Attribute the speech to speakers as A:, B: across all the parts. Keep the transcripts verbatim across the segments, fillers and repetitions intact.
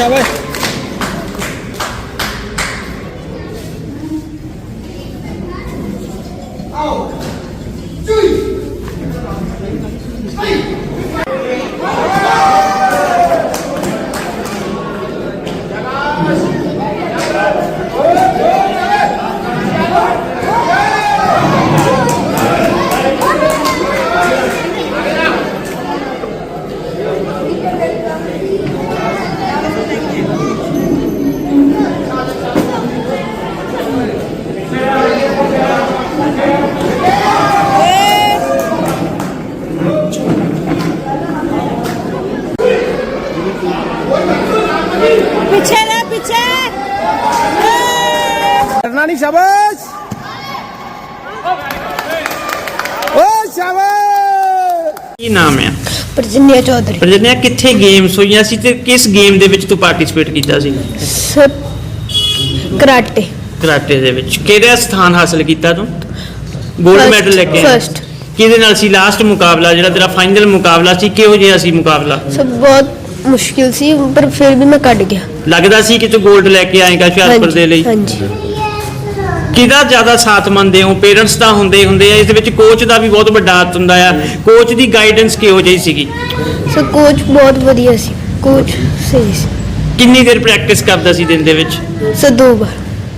A: शाबाश
B: पीछे ना पीछे
A: करना नहीं शाबाश ओ शाबाश
C: ਕੀ ਨਾਮ ਹੈ?
B: प्रजन्या चौधरी
C: ਪ੍ਰਜਨਿਆ ਕਿੱਥੇ ਗੇਮਸ ਹੋਈਆਂ ਸੀ ਤੇ ਕਿਸ ਗੇਮ ਦੇ ਵਿੱਚ ਤੂੰ ਪਾਰਟਿਸਿਪੇਟ ਕੀਤਾ ਸੀ?
B: सर कराटे
C: ਕਰਾਟੇ ਦੇ ਵਿੱਚ ਕਿਹੜਾ ਸਥਾਨ ਹਾਸਲ ਕੀਤਾ ਤੂੰ? ਗੋਲਡ
B: First,
C: ਮੈਡਲ ਲੈ ਕੇ ਆਇਆ?
B: first।
C: ਕਿਹਦੇ ਨਾਲ ਸੀ ਲਾਸਟ ਮੁਕਾਬਲਾ ਜਿਹੜਾ ਤੇਰਾ ਫਾਈਨਲ ਮੁਕਾਬਲਾ ਸੀ? ਕਿਹੋ ਜਿਹਾ ਸੀ ਮੁਕਾਬਲਾ?
B: सब बहुत मुश्किल सी पर फिर भी मैं कट गया
C: ਲੱਗਦਾ ਸੀ ਕਿ ਤੂੰ ਗੋਲਡ ਲੈ ਕੇ ਆਏਗਾ ਹੁਸ਼ਿਆਰਪੁਰ ਦੇ ਲਈ?
B: हाँ जी
C: ਕਿਹਦਾ ਜ਼ਿਆਦਾ ਸਾਥ ਮੰਨਦੇ ਹੋ? ਪੇਰੈਂਟਸ ਦਾ ਹੁੰਦੇ ਹੁੰਦੇ ਆ, ਇਸ ਦੇ ਵਿੱਚ ਕੋਚ ਦਾ ਵੀ ਬਹੁਤ ਵੱਡਾ ਹੱਥ ਹੁੰਦਾ ਆ। ਕੋਚ ਦੀ ਗਾਈਡੈਂਸ ਕਿਹੋ ਜਿਹੀ ਸੀਗੀ?
B: सर कोच बहुत वधिया सी कोच सही सी
C: ਕਿੰਨੀ ਦੇਰ ਪ੍ਰੈਕਟਿਸ ਕਰਦਾ ਸੀ ਦਿਨ ਦੇ ਵਿੱਚ?
B: सर दो बार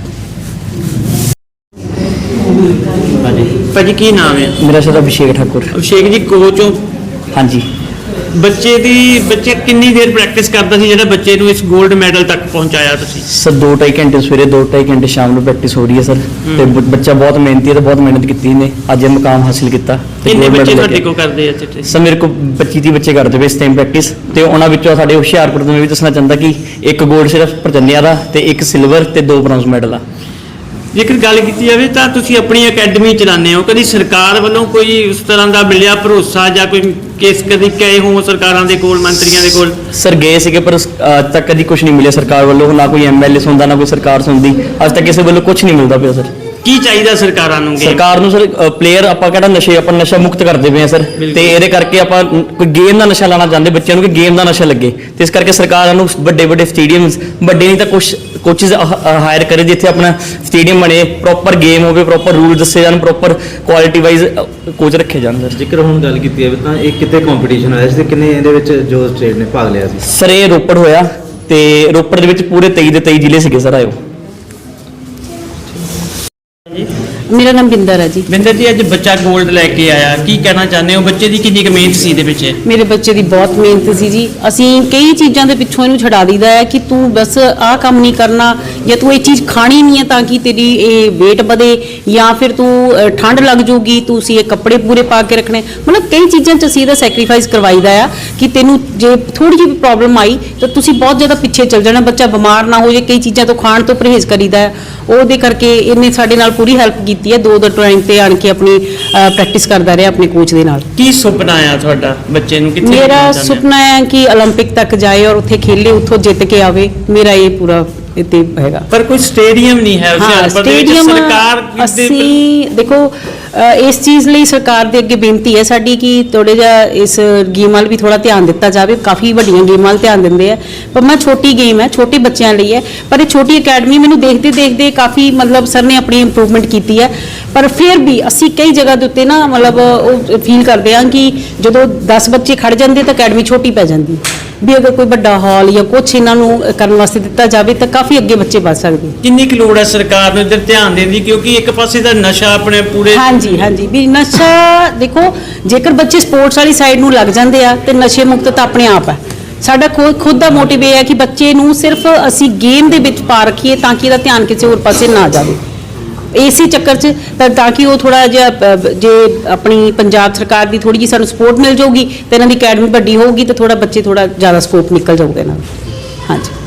C: ਭਾਜੀ ਕੀ ਨਾਮ ਹੈ?
D: मेरा सर अभिषेक ठाकुर।
C: ਅਭਿਸ਼ੇਕ ਜੀ ਕੋਚ ਹੋ?
D: हाँ जी
C: ਬੱਚੇ ਦੀ ਬੱਚੇ ਕਿੰਨੀ ਦੇਰ ਪ੍ਰੈਕਟਿਸ ਕਰਦਾ ਸੀ ਜਿਹੜਾ ਬੱਚੇ ਨੂੰ ਇਸ 골ਡ ਮੈਡਲ ਤੱਕ ਪਹੁੰਚਾਇਆ ਤੁਸੀਂ?
D: सर दो ढाई घंटे सवेरे दो ढाई घंटे शाम ਨੂੰ ਪ੍ਰੈਕਟਿਸ ਹੋ ਰਹੀ ਹੈ ਸਰ ਤੇ ਬ- ਬੱਚਾ ਬਹੁਤ ਮਿਹਨਤੀ ਹੈ ਤੇ ਬਹੁਤ ਮਿਹਨਤ ਕੀਤੀ ਇਹਨੇ ਅੱਜ ਇਹ ਮੁਕਾਮ ਹਾਸਿਲ ਕੀਤਾ ਤੇ
C: ਕਿੰਨੇ
D: gold
C: ਬੱਚੇ
D: medal
C: ਤੁਹਾਡੇ
D: ਲੈ ਕੇ-
C: ਕੋਲ ਕਰਦੇ ਆ ਇੱਥੇ?
D: ਸਰ ਮੇਰੇ ਕੋਲ ਪੱਚੀ ਤੀਹ ਬੱਚੇ ਕਰਦੇ ਪਏ ਇਸ ਟਾਈਮ ਪ੍ਰੈਕਟਿਸ ਤੇ ਉਹਨਾਂ ਵਿੱਚੋਂ ਸਾਡੇ ਹੁਸ਼ਿਆਰਪੁਰ ਤੋਂ ਮੈਂ ਵੀ ਦੱਸਣਾ ਚਾਹੁੰਦਾ ਕਿ ਇੱਕ 골ਡ ਸਿਰਫ ਪ੍ਰਜਨਿਆ ਦਾ ਤੇ ਇੱਕ ਸਿਲਵਰ ਤੇ ਦੋ ਬ੍ਰੌਂਜ਼ ਮੈਡਲ ਆ।
C: ਜੇਕਰ ਗੱਲ ਕੀਤੀ ਜਾਵੇ ਤਾਂ ਤੁਸੀਂ ਆਪਣੀ ਅਕੈਡਮੀ ਚਲਾਉਂਦੇ ਹੋ, ਕਦੀ ਸਰਕਾਰ ਵੱਲੋਂ ਕੋਈ ਉਸ ਤਰ੍ਹਾਂ ਦਾ ਮਿਲਿਆ ਭਰੋਸਾ ਜਾਂ ਕੋਈ ਕੇਸ ਕਦੀ ਗਏ ਹੋ ਸਰਕਾਰਾਂ ਦੇ ਕੋਲ, ਮੰਤਰੀਆਂ ਦੇ ਕੋਲ?
D: ਸਰ ਗਏ ਸੀਗੇ ਪਰ ਉਸ- ਅੱਜ ਤੱਕ ਕਦੀ ਕੁਝ ਨਹੀਂ ਮਿਲਿਆ ਸਰਕਾਰ ਵੱਲੋਂ, ਨਾ ਕੋਈ ਐਮਐਲਏ ਸੁਣਦਾ ਨਾ ਕੋਈ ਸਰਕਾਰ ਸੁਣਦੀ, ਅੱਜ ਤੱਕ ਕਿਸੇ ਵੱਲੋਂ ਕੁਝ ਨਹੀਂ ਮਿਲਦਾ ਪਿਆ ਸਰ।
C: ਕੀ ਚਾਹੀਦਾ ਸਰਕਾਰਾਂ ਨੂੰ? game?
D: ਸਰਕਾਰ ਨੂੰ ਸਰ ਪਲੇਅਰ ਆਪਾਂ ਕਿਹੜਾ ਨਸ਼ੇ ਆਪਾਂ ਨਸ਼ਾ ਮੁਕਤ ਕਰਦੇ ਪਏ ਆ ਸਰ
C: ਬਿਲਕੁਲ।
D: ਤੇ ਇਹਦੇ ਕਰਕੇ ਆਪਾਂ ਨ- ਕੋਈ ਗੇਮ ਦਾ ਨਸ਼ਾ ਲਾਣਾ ਚਾਹੁੰਦੇ ਬੱਚਿਆਂ ਨੂੰ ਕਿ ਗੇਮ ਦਾ ਨਸ਼ਾ ਲੱਗੇ ਤੇ ਇਸ ਕਰਕੇ ਸਰਕਾਰਾਂ ਨੂੰ ਵੱਡੇ ਵੱਡੇ ਸਟੇਡੀਅਮਸ ਵੱਡੇ ਨਹੀਂ ਤਾਂ ਕੁਝ ਕੋਚਿਸ ਹਾਇਰ ਕਰੇ ਜਿੱਥੇ ਆਪਣਾ ਸਟੇਡੀਅਮ ਬਣੇ, ਪ੍ਰੋਪਰ ਗੇਮ ਹੋਵੇ, ਪ੍ਰੋਪਰ ਰੂਲ ਦੱਸੇ ਜਾਣ, ਪ੍ਰੋਪਰ ਕੁਆਲਿਟੀ ਵਾਈਜ਼ ਕੋਚ ਰੱਖੇ ਜਾਣ ਸਰ।
E: ਜੇਕਰ ਹੁਣ ਗੱਲ ਕੀਤੀ ਜਾਵੇ ਤਾਂ ਇਹ ਕਿਤੇ ਕੰਪੀਟੀਸ਼ਨ ਹੋਇਆ ਸੀ ਤੇ ਕਿੰਨੇ ਇਹਦੇ ਵਿੱਚ ਜੋ ਸਟੇਟ ਨੇ ਭਾਗ ਲਿਆ ਸੀ?
D: ਸਰ ਇਹ ਰੋਪੜ ਹੋਇਆ ਤੇ ਰੋਪੜ ਦੇ ਵਿੱਚ ਪੂਰੇ ਤੇਈ ਦੇ ਤੇਈ ਜ਼ਿਲ੍ਹੇ ਸੀਗੇ ਸਰ ਆਇਓ।
F: ਮੇਰਾ ਨਾਮ ਬਿੰਦਰ ਹੈ ਜੀ।
C: ਬਿੰਦਰ ਜੀ ਅੱਜ ਬੱਚਾ 골ਡ ਲੈ ਕੇ ਆਇਆ, ਕੀ ਕਹਿਣਾ ਚਾਹੁੰਦੇ ਹੋ? ਬੱਚੇ ਦੀ ਕਿੰਨੀ ਕੁ ਮਿਹਨਤ ਸੀ ਇਹਦੇ ਵਿੱਚ?
F: ਮੇਰੇ ਬੱਚੇ ਦੀ ਬਹੁਤ ਮਿਹਨਤ ਸੀ ਜੀ। ਅਸੀਂ ਕਈ ਚੀਜ਼ਾਂ ਦੇ ਪਿੱਛੋਂ ਇਹਨੂੰ ਛਡਾ ਦਈਦਾ ਹੈ ਕਿ ਤੂੰ ਬਸ ਆਹ ਕੰਮ ਨਹੀਂ ਕਰਨਾ ਜਾਂ ਤੂੰ ਇਹ ਚੀਜ਼ ਖਾਣੀ ਨਹੀਂ ਹੈ ਤਾਂ ਕਿ ਤੇਰੀ ਇਹ weight ਵਧੇ ਜਾਂ ਫਿਰ ਤੂੰ ਅ, ਠੰਡ ਲੱਗ ਜਾਊਗੀ, ਤੁਸੀਂ ਇਹ ਕੱਪੜੇ ਪੂਰੇ ਪਾ ਕੇ ਰੱਖਣੇ, ਮਤਲਬ ਕਈ ਚੀਜ਼ਾਂ 'ਚ ਅਸੀਂ ਇਹਦਾ ਸੈਕਰੀਫਾਈਸ ਕਰਵਾਈਦਾ ਆ ਕਿ ਤੈਨੂੰ ਜੇ ਥੋੜੀ ਜਿਹੀ ਪ੍ਰੋਬਲਮ ਆਈ ਤਾਂ ਤੁਸੀਂ ਬਹੁਤ ਜ਼ਿਆਦਾ ਪਿੱਛੇ ਚੱਲ ਜਾਣਾ, ਬੱਚਾ ਬਿਮਾਰ ਨਾ ਹੋ ਜਾਏ। ਕਈ ਚੀਜ਼ਾਂ ਤੋਂ ਖਾਣ ਤੋਂ ਪਰਹੇਜ਼ ਕਰੀਦਾ ਹੈ, ਉਹਦੇ ਕਰਕੇ ਇਹਨੇ ਸਾਡੇ ਨਾਲ ਪੂਰੀ ਹੈਲਪ ਕੀਤੀ ਹੈ। ਦੋ ਦੋ ਟਾਈਮ ਤੇ ਆਣ ਕੇ ਆਪਣੀ ਪ੍ਰੈਕਟਿਸ ਕਰਦਾ ਰਿਹਾ ਆਪਣੇ ਕੋਚ ਦੇ ਨਾਲ।
C: ਕੀ ਸੁਪਨਾ ਆ ਤੁਹਾਡਾ ਬੱਚੇ ਨੂੰ? ਕਿੱਥੇ
F: ਮੇਰਾ
C: ਭੇਜਣਾ ਚਾਹੁੰਦੇ ਹੋ?
F: ਸੁਪਨਾ ਹੈ ਕਿ 올림픽 ਤੱਕ ਜਾਏ ਔਰ ਉੱਥੇ ਖੇਲੇ, ਉੱਥੋਂ ਜਿੱਤ ਕੇ ਆਵੇ। ਮੇਰਾ ਇਹ ਪੂਰਾ ਇੱਥੇ ਹੈਗਾ।
C: ਪਰ ਕੋਈ ਸਟੇਡੀਅਮ ਨਹੀਂ ਹੈ
F: ਹਾਂ
C: ਹੁਸ਼ਿਆਰਪੁਰ ਦੇ ਵਿੱਚ।
F: ਸਟੇਡੀਅਮ
C: ਸਰਕਾਰ ਦੇ-
F: ਅਸੀਂ ਦੇਖੋ ਅ, ਇਸ ਚੀਜ਼ ਲਈ ਸਰਕਾਰ ਦੇ ਅੱਗੇ ਬੇਨਤੀ ਹੈ ਸਾਡੀ ਕਿ ਥੋੜੇ ਜਿਹਾ ਇਸ ਗੇਮ ਵੱਲ ਵੀ ਥੋੜਾ ਧਿਆਨ ਦਿੱਤਾ ਜਾਵੇ। ਕਾਫੀ ਵੱਡੀਆਂ ਗੇਮਾਂ ਵੱਲ ਧਿਆਨ ਦਿੰਦੇ ਆ ਪਰ ਮੈਂ ਛੋਟੀ ਗੇਮ ਹੈ, ਛੋਟੇ ਬੱਚਿਆਂ ਲਈ ਹੈ, ਪਰ ਇਹ ਛੋਟੀ ਅਕੈਡਮੀ ਮੈਨੂੰ ਦੇਖਦੇ ਦੇਖਦੇ ਕਾਫੀ ਮਤਲਬ ਸਰ ਨੇ ਆਪਣੀ ਇੰਪਰੂਵਮੈਂਟ ਕੀਤੀ ਹੈ। ਪਰ ਫਿਰ ਵੀ ਅਸੀਂ ਕਈ ਜਗ੍ਹਾ ਦੇ ਉੱਤੇ ਨਾ ਮਤਲਬ ਉਹ ਫੀਲ ਕਰਦੇ ਹਾਂ ਕਿ ਜਦੋਂ ਦਸ ਬੱਚੇ ਖੜ ਜਾਂਦੇ ਤਾਂ ਅਕੈਡਮੀ ਛੋਟੀ ਪੈ ਜਾਂਦੀ, ਵੀ ਅਗਰ ਕੋਈ ਵੱਡਾ ਹਾਲ ਜਾਂ ਕੁਛ ਇਹਨਾਂ ਨੂੰ ਕਰਨ ਵਾਸਤੇ ਦਿੱਤਾ ਜਾਵੇ ਤਾਂ ਕਾਫੀ ਅੱਗੇ ਬੱਚੇ ਵੱਧ ਸਕਦੇ।
C: ਕਿੰਨੀ ਕੁ ਲੋੜ ਹੈ ਸਰਕਾਰ ਨੂੰ ਇੱਧਰ ਧਿਆਨ ਦੇਣ ਦੀ? ਕਿਉਂਕਿ ਇੱਕ ਪਾਸੇ ਦਾ ਨਸ਼ਾ ਆਪਣੇ ਪੂਰੇ
F: ਹਾਂਜੀ ਹਾਂਜੀ ਵੀ ਨਸ਼ਾ ਦੇਖੋ, ਜੇਕਰ ਬੱਚੇ ਸਪੋਰਟਸ ਵਾਲੀ ਸਾਈਡ ਨੂੰ ਲੱਗ ਜਾਂਦੇ ਆ ਤੇ ਨਸ਼ੇ ਮੁਕਤ ਤਾਂ ਆਪਣੇ ਆਪ ਹੈ। ਸਾਡਾ ਖੁਦ ਖੁਦ ਦਾ ਮੋਟਿਵ ਇਹ ਹੈ ਕਿ ਬੱਚੇ ਨੂੰ ਸਿਰਫ ਅਸੀਂ ਗੇਮ ਦੇ ਵਿੱਚ ਪਾ ਰੱਖੀਏ ਤਾਂ ਕਿ ਇਹਦਾ ਧਿਆਨ ਕਿਸੇ ਹੋਰ ਪਾਸੇ ਨਾ ਜਾਵੇ, ਇਸੇ ਚੱਕਰ 'ਚ ਤਾਂ ਤਾਂ ਕਿ ਉਹ ਥੋੜਾ ਜਿਹਾ ਅ, ਜੇ ਆਪਣੀ ਪੰਜਾਬ ਸਰਕਾਰ ਦੀ ਥੋੜੀ ਜਿਹੀ ਸਾਨੂੰ ਸਪੋਰਟ ਮਿਲ ਜਾਊਗੀ ਤੇ ਇਹਨਾਂ ਦੀ ਅਕੈਡਮੀ ਵੱਡੀ ਹੋਊਗੀ ਤੇ ਥੋੜਾ ਬੱਚੇ ਥੋੜਾ ਜ਼ਿਆਦਾ ਸਕੋਪ ਨਿਕਲ ਜਾਊਗਾ ਇਹਨਾਂ ਦਾ। ਹਾਂਜੀ।